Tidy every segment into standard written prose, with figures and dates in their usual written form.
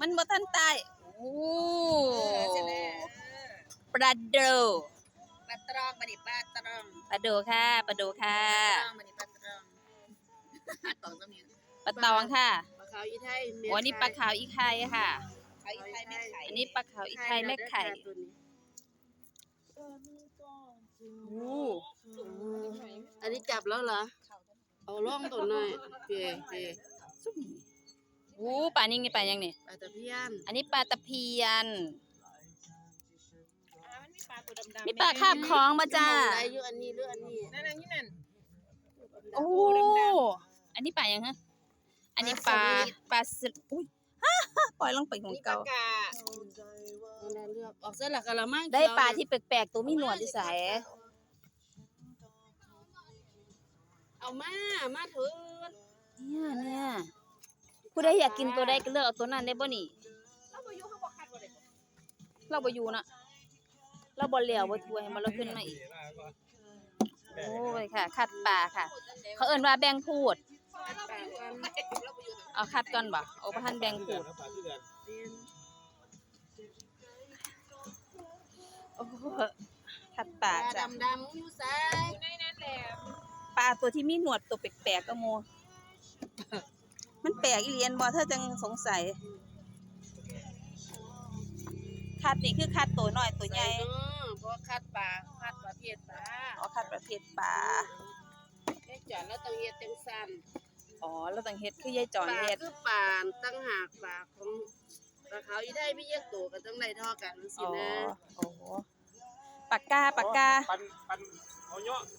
มันบ่ทันตายโอ้ใช่ไหมปลาโดปลาตรองมาดิปลาตรองปลาโดค่ะปลาโดค่ะตรองมาดิปลาตรองตองก็มีปลาตองค่ะปลาขาวอีไทยโอ้นี่ปลาขาวอีไข่ค่ะขาวอีไทยแม่ไข่อันนี้ปลาขาวอีไข่แม่ไข่โอ้อันนี้จับแล้วเหรอเอาล่องตัวหน่อยเปย์โอ้ปลานี่ไงปลายังนี่ปลาตะเพียนอันนี้ปลาตะเพียนมันมีปลาตัวดำๆมีปลาคาบคล้องมาจ้าอะไรอยู่อันนี้หรืออันนี้นั่นโอ้อันนี้ปลายังฮะอันนี้ปลาสอุ้ยปล่อยลงไปของเก่าเลือกออกเส้นหลักกะละมังได้ปลาที่แปลกๆตัวมีหนวดที่ใสเอามาเถิดเนี่ยผู้ใดอยากกินตัวใดก็เลือกเอาตัวนั้นได้บ่นี่เราบ่อยู่เขาบ่คัดบ่ได้เราบ่อยู่นะเราบ่เหลียวบ่ถ้วยให้มันเราขึ้นมาอีกโอ้ยค่ะคัดปลาค่ะเขาเอิ้นว่าแบ่งพูดเอาคัดก่อนบ่เอาบ่ทันแบ่งพูดโอ้คัดปลาจ้ะดำอยู่ไสในนั้นแหละปลาตัวที่มีหนวดตัวแปลกๆก็โมมันแปลกอีเลียนบ่เธอจังสงสัยคัดนี่คือคัดตัวน้อยตัวใหญ่เพราะคัดปลาประเภทปลาอ๋อคัดประเภทปลาแค่จอดแล้วต้องเฮ็ดจังซั่นอ๋อแล้วต้องเฮ็ดคือยายจอนเฮ็ดคือปลาตั้งหากปลาของปลาขาวอีได้มีแยกตัวก็ต้องได้เท่ากันสินะโอ้โหปากกาปันเอาเนาะ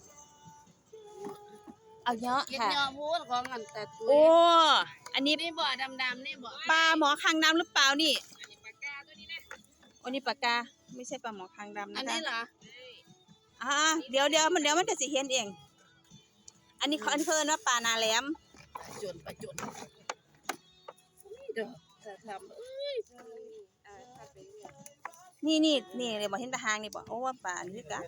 เอาเนาะค่ะเนาะพูดของอันแต่ตัวโอ้อันนี้นี่บ่ดำๆนี่บ่ปลาหมอคางดำหรือเปล่านี่อันนี้ปลากาตัวนี้นะอันนี้ปากกาไม่ใช่ปลาหมอคางดำนะคะอันนี้เหรอเดี๋ยวมันก็สิเห็นเองอันนี้เขาเอิ้นว่าปลานาแหลมปลาจนเด้อจะทำนี่เลยบ่เห็นตาหางนี่บ่โอ้ว่าปลานี่กัน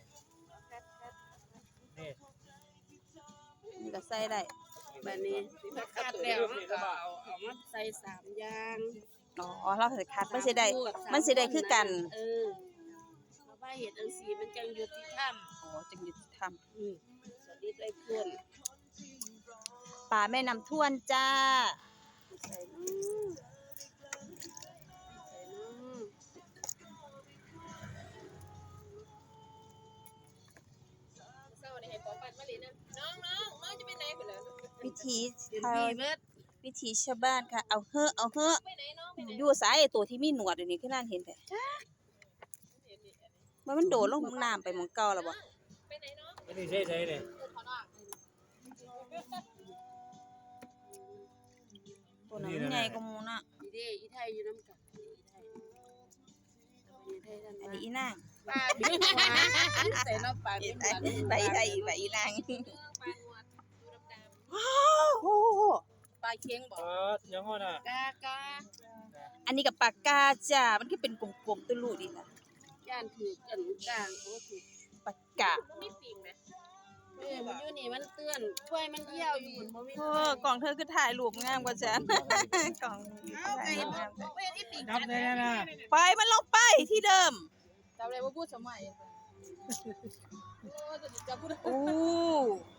นี่ก็ใส่ได้แบบนี้คัดแล้วก็เอามาใส่3อย่างอ๋อเราสิคัดมันสิได้คือกันเพราะว่าเฮ็ดจังซี่มันจังยุติธรรมอ๋อจังยุติธรรมสวัสดีได้เพื่อนปลาแม่น้ำท่วนจ้าใส่จะไปไหนไปเลยวิถีชาวบ้านค่ะเอาเฮ้ออยู่สายตัวที่มีหนวดอันนี้คือนั่นเห็นแท้มันโดดลงน้ำไปหม้องเก่าแล้วบ่ไปไหนเนาะไม่ได้ใช่เนี่ยตัวนั้นใหญ่กว่าหมู่น่ะอีไทยอยู่น้ำกันอันนี้อีนางปลาใส่น้ำปลาไปอีนางปลาเค็งบ่ยังไงน่ะกาอันนี้กับปากกาจ้ามันก็เป็นกลมๆตุ้ลูดีล่ะย่านถือกันกลางโอ้ถูกปากกามีปีกมั้ยมันอยู่นี่มันเตือนถ้วยมันเหี่ยวอยู่บ่มีกล่องเธอคือถ่ายรูปงามกว่าฉันกล่องไอ้บ่เห็นอีปีกจับได้นะไปมันลงไปที่เดิมจับได้บ่พูดสมัยโอ้